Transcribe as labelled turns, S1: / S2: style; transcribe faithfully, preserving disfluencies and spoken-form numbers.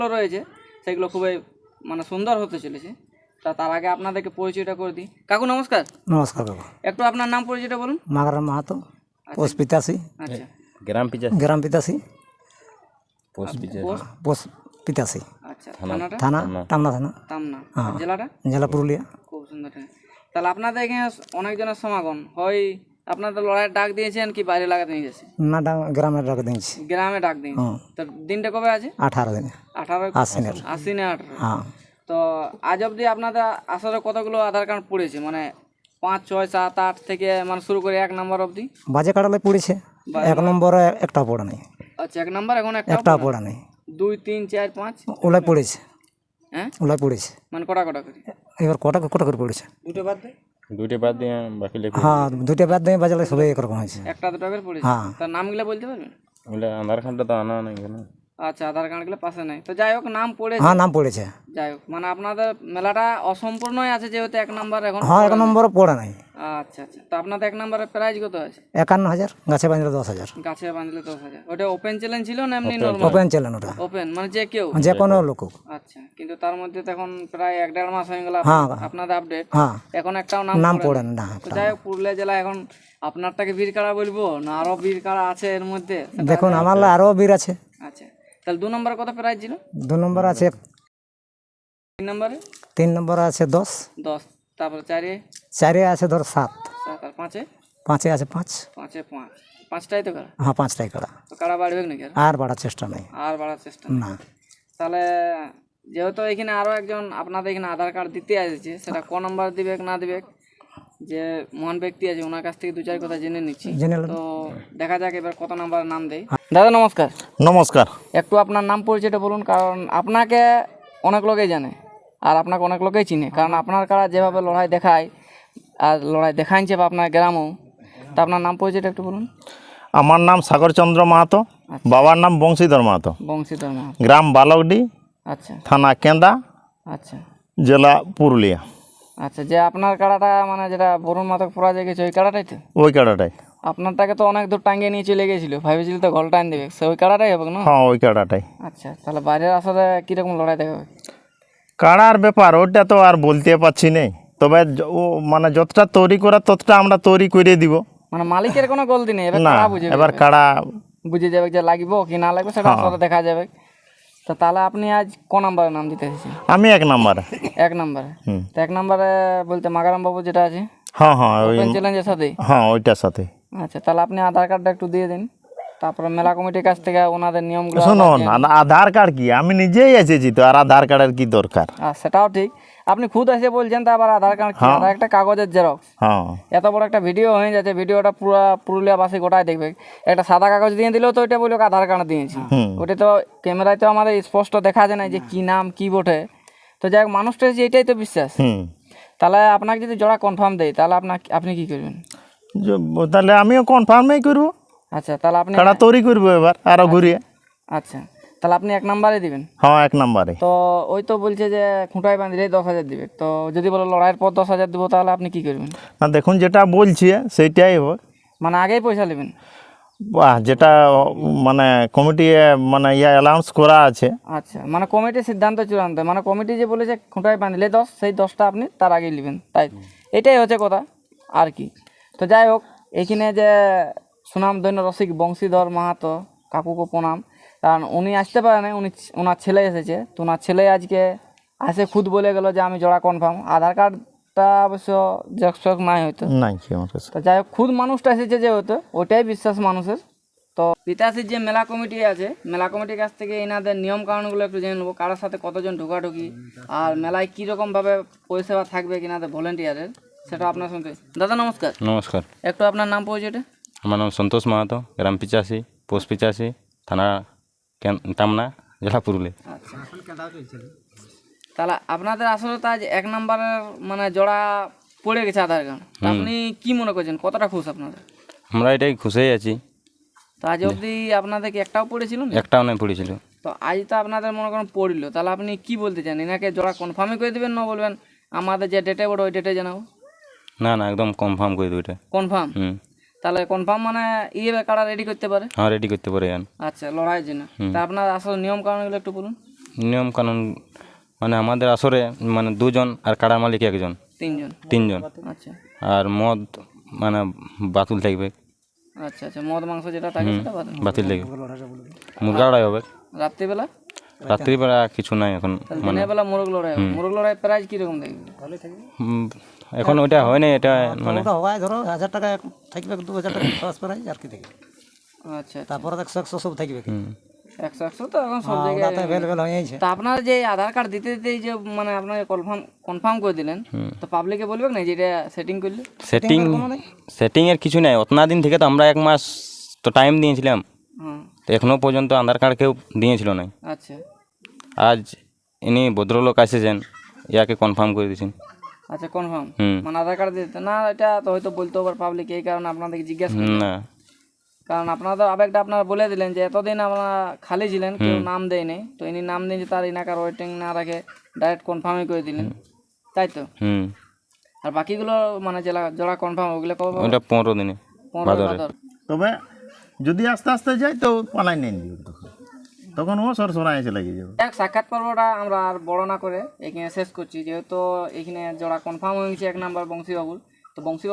S1: রয়েছে সেগুলো খুবই মানে সুন্দর হতে চলেছে। তা তার আগে আপনাদেরকে পরিচয়টা করে দিই। কাকু নমস্কার।
S2: নমস্কার কাকু।
S1: একটু আপনার নাম পরিচয়টা বলুন।
S2: মাগারাম মাহাতো, পোস্ট পিতাশি,
S1: আচ্ছা,
S3: গ্রাম পিচাশি
S2: গ্রাম Pitashi,
S3: post Pichashi
S1: post
S2: post Pitashi,
S1: আচ্ছা, থানাটা
S2: থানা টামনা থানা,
S1: তামনা,
S2: হ্যাঁ।
S1: আর জেলাটা
S2: জেলা পুরুলিয়া।
S1: খুব সুন্দর। তাহলে আপনাদের এখানে অনেকজনের সমাগম হয়, আপনাদের লড়াইয়ের ডাক দিয়েছেন কি বাইরে লাগাতে নিয়ে গেছে?
S2: না ডা- গ্রামের ডাক দিয়েছি।
S1: গ্রামে ডাক দিয়েছে।
S2: হ্যাঁ।
S1: তো দিনটা কবে আছে?
S2: আঠারো দিনে
S1: আঠারো
S2: আশ্বিনের।
S1: আশ্বিনে আঠারো।
S2: হ্যাঁ।
S1: তো আজ অবধি আপনাদের আসলে কতগুলো আধার কার্ড পড়েছে, মানে পাঁচ ছয় সাত আট থেকে মানে শুরু করে এক নম্বর অবধি?
S2: বাজে কাটালে পড়েছে, এক নম্বরে একটা পড়া নেই।
S1: আচ্ছা, এক নম্বর এখন একটা
S2: একটা পড়া নেই।
S1: দুই তিন চার পাঁচ
S2: ওলাই পড়েছে,
S1: হ্যাঁ,
S2: ওলাই পড়েছে।
S1: মানে কটা কটা করে?
S2: এবার কটা কটা করে পড়েছে?
S1: দুটো বাদ দেয়,
S3: দুইটা বাদ দিয়ে বাকি লেখা
S2: হ্যাঁ, দুইটা বাদ দিয়ে বাজালে সবাই একরকম হয়েছে।
S1: একটা দুটো করে পড়েছে।
S2: হ্যাঁ।
S1: তার নামগুলো বলতে পারবেন?
S3: ওগুলো আধার কার্ডটা তো আনা নাই কেন?
S1: আচ্ছা, আধার কার্ডগুলো পাশে নাই। তো যাই হোক, নাম পড়েছে।
S2: হ্যাঁ, নাম পড়েছে।
S1: যাই হোক, মানে আপনাদের মেলাটা অসম্পূর্ণই আছে যেহেতু এক নাম্বার এখন।
S2: হ্যাঁ, এক নম্বরে পড়া নাই।
S1: আচ্ছা আচ্ছা, তো আপনাদের এক নম্বরের প্রাইজ কত আছে?
S2: একান্ন হাজার, গাছে বাঁধলে দশ হাজার।
S1: গাছে বাঁধলে দশ হাজার। ওটা ওপেন চ্যালেঞ্জ ছিল না এমনি নর্মাল?
S2: ওপেন চ্যালেঞ্জ ওটা,
S1: ওপেন মানে যে কেউ,
S2: যে কোনো লোক।
S1: আচ্ছা, কিন্তু তার মধ্যে তো এখন প্রায় এক দেড় মাস হয়ে গেল
S2: হ্যাঁ।
S1: আপনাদের আপডেট,
S2: হ্যাঁ,
S1: এখন একটাও নাম
S2: নাম
S1: পড়ে
S2: পড়ে
S1: না।
S2: না।
S1: তো যাই হোক, পুরুলিয়া জেলা এখন আপনারটাকে বীর কাড়া বলবো না আরো বীর কাড়া আছে এর মধ্যে?
S2: দেখুন, আমার আরও বীর আছে।
S1: আচ্ছা, তাহলে দু নম্বরে কত প্রাইজ ছিল?
S2: দু নম্বর আছে,
S1: তিন নম্বরে
S2: তিন নম্বর আছে দশ,
S1: দশ, তারপরে চারে
S2: চারে আছে ধর সাত,
S1: সাত, আর পাঁচে?
S2: পাঁচে আছে পাঁচ।
S1: পাঁচে পাঁচ, পাঁচটাই তো কাড়া।
S2: হ্যাঁ, পাঁচটাই কাড়া।
S1: তো কাড়া বাড়বে নাকি আর?
S2: আর বাড়ার চেষ্টা নেই।
S1: আর বাড়ার চেষ্টা
S2: না।
S1: তাহলে যেহেতু এখানে আরো একজন আপনাদের এখানে আধার কার্ড দিতে আসছে, সেটা ক নাম্বার দিবে না দিবে, যে মহান ব্যক্তি আছে ওনার কাছ থেকে দু চার কথা জেনে নিচ্ছি।
S2: জেনে নেন।
S1: তো দেখা যাক এবার কত নাম্বার নাম দেয়। দাদা নমস্কার।
S3: নমস্কার।
S1: একটু আপনার নাম পরিচয়টা বলুন, কারণ আপনাকে অনেক লোকেই জানে আর আপনাকে অনেক লোকেই চিনে, কারণ আপনার কারা যেভাবে লড়াই দেখায় আর লড়াই দেখাইছে বা আপনার গ্রামও। তা আপনার নাম পরিচয়টা একটু বলুন।
S3: আমার নাম সাগরচন্দ্র মাহাতো, বাবার নাম বংশীধর মাহাতো,
S1: বংশীধর মাহাতো,
S3: গ্রাম বালকডি,
S1: আচ্ছা
S3: থানা কেন্দা,
S1: আচ্ছা
S3: জেলা পুরুলিয়া।
S1: আচ্ছা, যে আপনার কাড়াটা মানে যেটা বরুণ মাতক পরাজয় গেছে ওই কাড়াটাই তো?
S3: ওই কাড়াটাই।
S1: আপনারটাকে তো অনেক দূর টাঙ্গিয়ে নিয়ে চলে গেছিল, ভাবেছিল তো গল টাইম দেবে, সে ওই কাড়াটাই হবে না?
S3: হ্যাঁ, ওই কাড়াটাই।
S1: আচ্ছা, তাহলে বাইরের আসলে কীরকম লড়াই দেখাবে?
S3: কাড়ার ব্যাপার ওটা তো আর বলতে পারছি নেই, তবে য- ও মানে যতটা তৈরি করা ততটা আমরা তৈরি করে দিব।
S1: মানে মালিকের কোনো গলতি নেই, এবার
S3: না,
S1: কাড়া বুঝে
S3: এবার কাড়া
S1: বুঝে যাবে যে লাগবে কি না লাগবে, সেটা আসলে দেখা যাবে। তো তাহলে আপনি আজ ক নাম্বারে নাম দিতে এসেছেন?
S3: আমি এক নাম্বারে।
S1: এক নাম্বারে।
S3: হুম।
S1: তো এক নাম্বারে বলতে মাগারাম বাবু যেটা আছে
S3: হ্যাঁ হ্যাঁ, ওই
S1: ওপেন চ্যালেঞ্জের সাথেই।
S3: হ্যাঁ ওইটার সাথে।
S1: আচ্ছা, তাহলে আপনি আধার কার্ডটা একটু দিয়ে দিন, তারপরে মেলা কমিটির কাছ থেকে ওনাদের নিয়মগুলো।
S3: শুনুন, আ- আধার কার্ড কি, আমি নিজেই এসেছি তো, আর আধার কার্ডের কি দরকার?
S1: আর সেটাও ঠিক, আপনি খুদ এসে বলছেন, তা আবার আধার কার্ড কি? আধার একটা কাগজের জেরক্স।
S3: হ্যাঁ
S1: এত বড় একটা ভিডিও হয়ে যাচ্ছে, ভিডিওটা পুরো পুরুলিয়াবাসী গোটাই দেখবে। একটা সাদা কাগজ দিয়ে দিলেও তো ওইটা বললো আধার কার্ড দিয়েছি, ওটা তো ক্যামেরায় তো আমাদের স্পষ্ট দেখা যায় না যে কি নাম কি বটে। তো যাই হোক, মানুষটা যে এটাই তো বিশ্বাস।
S3: হুম।
S1: তাহলে আপনাকে যদি জোড়া কনফার্ম দেয় তাহলে আপনার আপনি কি করবেন?
S3: য- তাহলে আমিও কনফার্মই করবো,
S1: আচ্ছা, তাহলে আপনি
S3: কাড়া তৈরি করবো এবার আরো ঘুরিয়ে।
S1: আচ্ছা, তাহলে আপনি এক নাম্বারে দিবেন।
S3: হ্যাঁ, এক নাম্বারে।
S1: তো ওই তো বলছে যে খুঁটায় বাঁধলেই দশ হাজার দিবে, তো যদি বলো লড়াইয়ের পর দশ হাজার দেবো তাহলে আপনি কি করবেন?
S3: না, দেখুন যেটা বলছি সেইটাই হোক।
S1: মানে আগেই পয়সা নেবেন?
S3: বাহ, যেটা মানে কমিটি মানে ইয়া অ্যালাউন্স করা আছে।
S1: আচ্ছা, মানে কমিটির সিদ্ধান্ত চূড়ান্ত, মানে কমিটি যে বলেছে খুঁটায় বাঁধলে দশ, সেই দশটা আপনি তার আগেই নেবেন, তাই এটাই হচ্ছে কথা আর কি। তো যাই হোক, এইখানে যে সুনামধন্য রসিক বংশীধর মাহাতো কাকুকে প্রণাম, কারণ উনি আসতে পারে না, উনি ওনার ছেলে এসেছে। তো ওনার ছেলে আজকে আসে খুদ বলে গেল যে আমি জোড়া কনফার্ম। আধার কার্ডটা অবশ্য জেরক্স ফেরক্স নাই হয়তো।
S3: নাই কি আমার কাছে।
S1: তো যাই হোক, খুদ মানুষটা এসেছে যে হতো, ওটাই বিশ্বাস মানুষের। তো পিতাশ্রীর যে মেলা কমিটি আছে, মেলা কমিটির কাছ থেকে এনাদের নিয়ম কানুনগুলো একটু জেনে নেবো, কারোর সাথে কতজন ঢোকাঢুকি আর মেলায় কীরকমভাবে পরিষেবা থাকবে কিনাদের ভলেন্টিয়ারের, সেটা আপনার সঙ্গে। দাদা নমস্কার।
S3: নমস্কার।
S1: একটু আপনার নাম পরিচয়টা।
S3: আমার নাম সন্তোষ মাহাতো, গ্রাম পিচাশি, পোস্ট পিচাশি, থানা কেন- টামনা, জেলা পুরুলিয়া।
S1: আচ্ছা, তাহলে আপনাদের আসলে তো আজ এক নম্বরের মানে জোড়া পড়ে গেছে আধার কার্ড। তা আপনি কি মনে করছেন, কতটা খুশ আপনাদের?
S3: আমরা এটাই খুশি আছি।
S1: তো আজ অবধি আপনাদের কি একটাও পড়েছিল না?
S3: একটাও নাই পড়েছিল।
S1: তো আজ তো আপনাদের মনে করেন পড়লো, তাহলে আপনি কি বলতে চান, এনাকে জোড়া কনফার্মই করে দেবেন না বলবেন আমাদের যে ডেটে বড় ওই ডেটে জানাবো?
S3: না না, একদম কনফার্ম করে দেবো এটা।
S1: কনফার্ম?
S3: হুম।
S1: তাহলে কনফার্ম মানে ইয়ে কাড়া রেডি করতে পারে?
S3: হ্যাঁ, রেডি করতে পারে।
S1: আচ্ছা, লড়াইয়ের জন্য। তা আপনার আসলে নিয়ম কারণগুলো একটু বলুন।
S4: নিয়ম কানুন মানে আমাদের আসরে মানে দুজন আর কাড়ার মালিক একজন,
S1: তিনজন।
S4: তিনজন।
S1: আচ্ছা
S4: আর মদ মানে বাতুল থাকবে,
S1: আচ্ছা আচ্ছা মদ মাংস যেটা থাকে সেটা বাদ।
S4: বাতিল থাকবে, মুরগা লড়াই হবে।
S1: রাত্রিবেলা
S4: রাত্রিবেলা কিছু নাই এখন, মানে
S1: দিনের বেলা মোরগ লড়াই হবে। মোরগ লড়াই প্রাইজ কিরকম দেখবে?
S4: উম, এখন ওইটা হয় না, এটা মানে
S2: ওটা হয় ধরো হাজার টাকা থাকবে, দু হাজার টাকা খরচ করাই আর কি থাকবে।
S1: আচ্ছা
S2: তারপরে একশো একশো সব থাকবে।
S4: হুম।
S1: একশো একশো তো এখন সব জায়গায়।
S2: ওটাতে অ্যাভেলেবেল হয়ে যাচ্ছে।
S1: তা আপনার যে আধার কার্ড দিতে দিতে যে মানে আপনার কনফার্ম কনফার্ম করে দিলেন, তো পাবলিকে বলবে না যে এটা সেটিং করলে?
S4: সেটিং সেটিং এর কিছু নাই। অতনা দিন থেকে তো আমরা এক মাস তো টাইম দিয়েছিলাম,
S1: হ্যাঁ
S4: তো এখনো পর্যন্ত আধার কার্ড কেউ দিয়েছিল না।
S1: আচ্ছা
S4: আজ ইনি ভদ্রলোক এসেছেন, ইয়াকে কনফার্ম করে দিয়েছেন।
S1: আচ্ছা কনফার্ম
S4: হুম।
S1: মানে আধার কার্ড দিতে না, এটা তো হয়তো বলতে পারে পাবলিক, এই কারণে আপনাদেরকে জিজ্ঞাসা করি।
S4: না,
S1: কারণ আপনারা তো আবেগটা আপনারা বলে দিলেন যে এতদিন আপনারা খালি ছিলেন, কেউ নাম দেয়নি, তো ইনি নাম দিয়েছে তার ইনাকার ওয়েটিং না রাখে ডাইরেক্ট কনফার্মই করে দিলেন, তাই তো?
S4: হুম,
S1: আর বাকিগুলো মানে জেলা জোড়া কনফার্ম ওগুলো কবে পাবো?
S4: ওটা পনেরো দিনে
S1: পনেরো
S4: ভাদরে।
S1: ভাদর।
S3: তবে যদি আস্তে আস্তে যাই তো পালাই নেন দিও, তখন তখন ও সর সরাই এসে লাগিয়ে যাবে।
S1: এক সাক্ষাৎ পর্বটা আমরা আর বড় না করে এখানে শেষ করছি, যেহেতু এখানে জোড়া কনফার্ম হয়ে গেছে এক নাম্বার বংশীবাবুর। তো বংশী